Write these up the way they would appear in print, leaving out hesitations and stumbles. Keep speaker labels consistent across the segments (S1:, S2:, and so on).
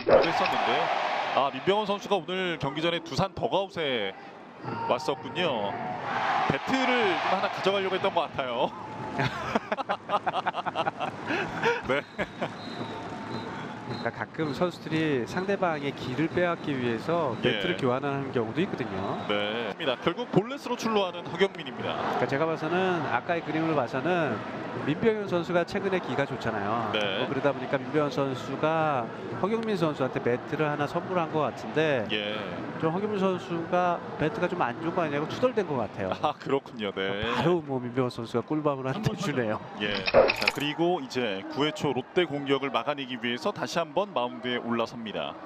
S1: 했었는데요. 아, 민병헌 선수가 오늘 경기 전에 두산 더가웃에 왔었군요. 배트를 좀 하나 가져가려고 했던 것 같아요. 네.
S2: 그러니까 가끔 선수들이 상대방의 기를 빼앗기 위해서 배트를 교환하는 경우도 있거든요.
S1: 네. 결국 볼넷으로 출루하는 허경민입니다.
S2: 그러니까 제가 봐서는 아까의 그림을 봐서는 민병현 선수가 최근에 기가 좋잖아요.
S1: 네.
S2: 그러다 보니까 민병현 선수가 허경민 선수한테 배트를 하나 선물한 것 같은데 좀 허경민 선수가 배트가 좀 안 좋은 거 아니냐고 투덜댄 것 같아요.
S1: 아, 그렇군요. 네.
S2: 바로 뭐 민병현 선수가 꿀밤을 한 대 주네요.
S1: 자, 그리고 이제 9회 초 롯데 공격을 막아내기 위해서 다시 한번 마운드에 올라섭니다.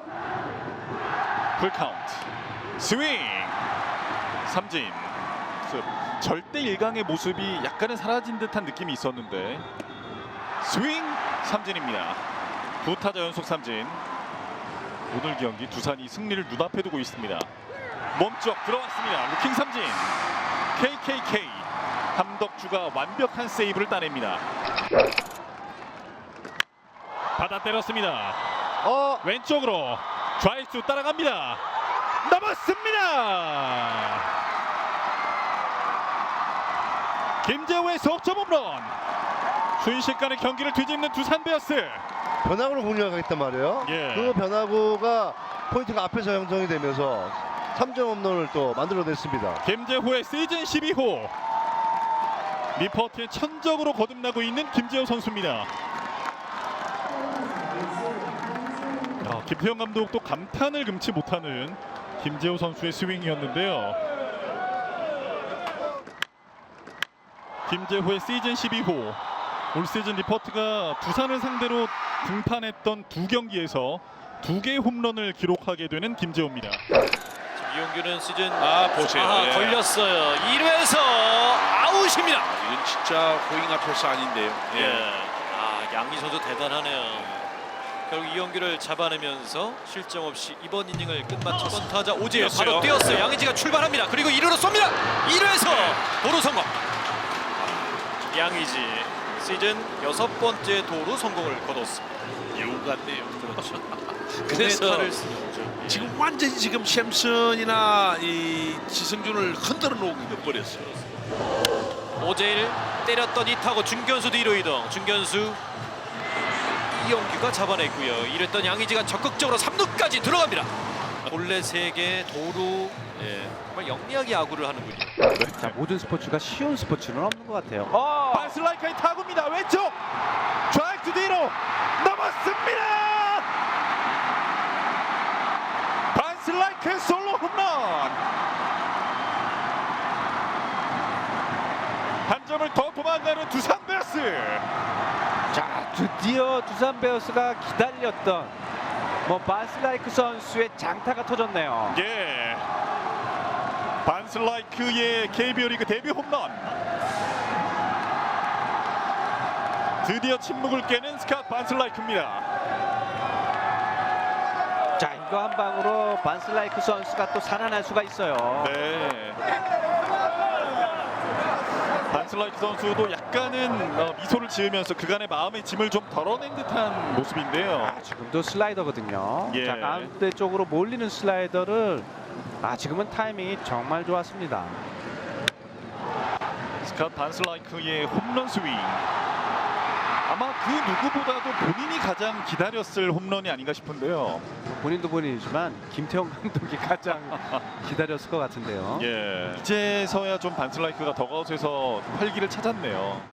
S1: 풀카운트 스윙 삼진. 절대 일강의 모습이 약간은 사라진 듯한 느낌이 있었는데 스윙 삼진입니다. 두 타자 연속 삼진. 오늘 경기 두산이 승리를 눈앞에 두고 있습니다. 몸쪽 들어왔습니다. 루킹 삼진. KKK 함덕주가 완벽한 세이브를 따냅니다. 받아 때렸습니다. 왼쪽으로 좌익수 따라갑니다. 넘었습니다. 김재호의 석점 홈런. 순식간에 경기를 뒤집는 두산 베어스.
S3: 변화구를 공략하겠단 말이에요. 그 변화구가 포인트가 앞에서 형성이 되면서 3점 홈런을 또 만들어냈습니다.
S1: 김재호의 시즌 12호. 리포트에 천적으로 거듭나고 있는 김재호 선수입니다. 김태형 감독도 감탄을 금치 못하는 김재호 선수의 스윙이었는데요. 김재호의 시즌 12호. 올 시즌 리포트가 두산을 상대로 등판했던 두 경기에서 2개의 홈런을 기록하게 되는 김재호입니다.
S4: 이용규는 시즌
S5: 보세요.
S4: 걸렸어요. 1회에서 아웃입니다.
S5: 이건 진짜 고잉 앞에서 아닌데요.
S4: 양희 선수 대단하네요. 결국 이용규를 잡아내면서 실점 없이 이번 이닝을 끝마쳤던 타자 오재현 바로 뛰었어요. 양의지가 출발합니다. 그리고 1루로 쏩니다. 1루에서 도루 성공. 양의지 시즌 6번째 도루 성공을 거뒀습니다.
S5: 여우 같네요.
S4: 그렇죠.
S5: 그래서
S4: 타를 쓰는 거죠.
S5: 지금 완전히 지금 샘슨이나 이 지승준을 흔들어 놓고 버렸어요.
S4: 오재일 때렸던 이 타고 중견수 뒤로 이동. 중견수 이용규가 잡아냈고요. 이랬던 양의지가 적극적으로 3루까지 들어갑니다. 본래 3개 도루. 정말 영리하게 야구를 하는군요.
S2: 자, 모든 스포츠가 쉬운 스포츠는 없는 것 같아요.
S1: 반슬라이크의 타구입니다. 왼쪽 좌익수 뒤로 넘었습니다. 반슬라이크 솔로 홈런. 한 점을 더 도망가는 두산 베어스.
S2: 자, 드디어 두산 베어스가 기다렸던 반슬라이크 선수의 장타가 터졌네요.
S1: 반슬라이크의 KBO 리그 데뷔 홈런. 드디어 침묵을 깨는 스캇 반슬라이크입니다.
S2: 자, 이거 한 방으로 반슬라이크 선수가 또 살아날 수가 있어요.
S1: 반슬라이크 선수도 약간은 미소를 지으면서 그간의 마음의 짐을 좀 덜어낸 듯한 모습인데요.
S2: 지금도 슬라이더거든요. 자, 가운데 쪽으로 몰리는 슬라이더를 지금은 타이밍이 정말 좋았습니다.
S1: 스캇 반슬라이크의 홈런 스윙. 아마 그 누구보다도 본인이 가장 기다렸을 홈런이 아닌가 싶은데요.
S2: 본인도 본인이지만 김태형 감독이 가장 기다렸을 것 같은데요.
S1: 이제서야 좀 반슬라이크가 더가웃에서 활기를 찾았네요.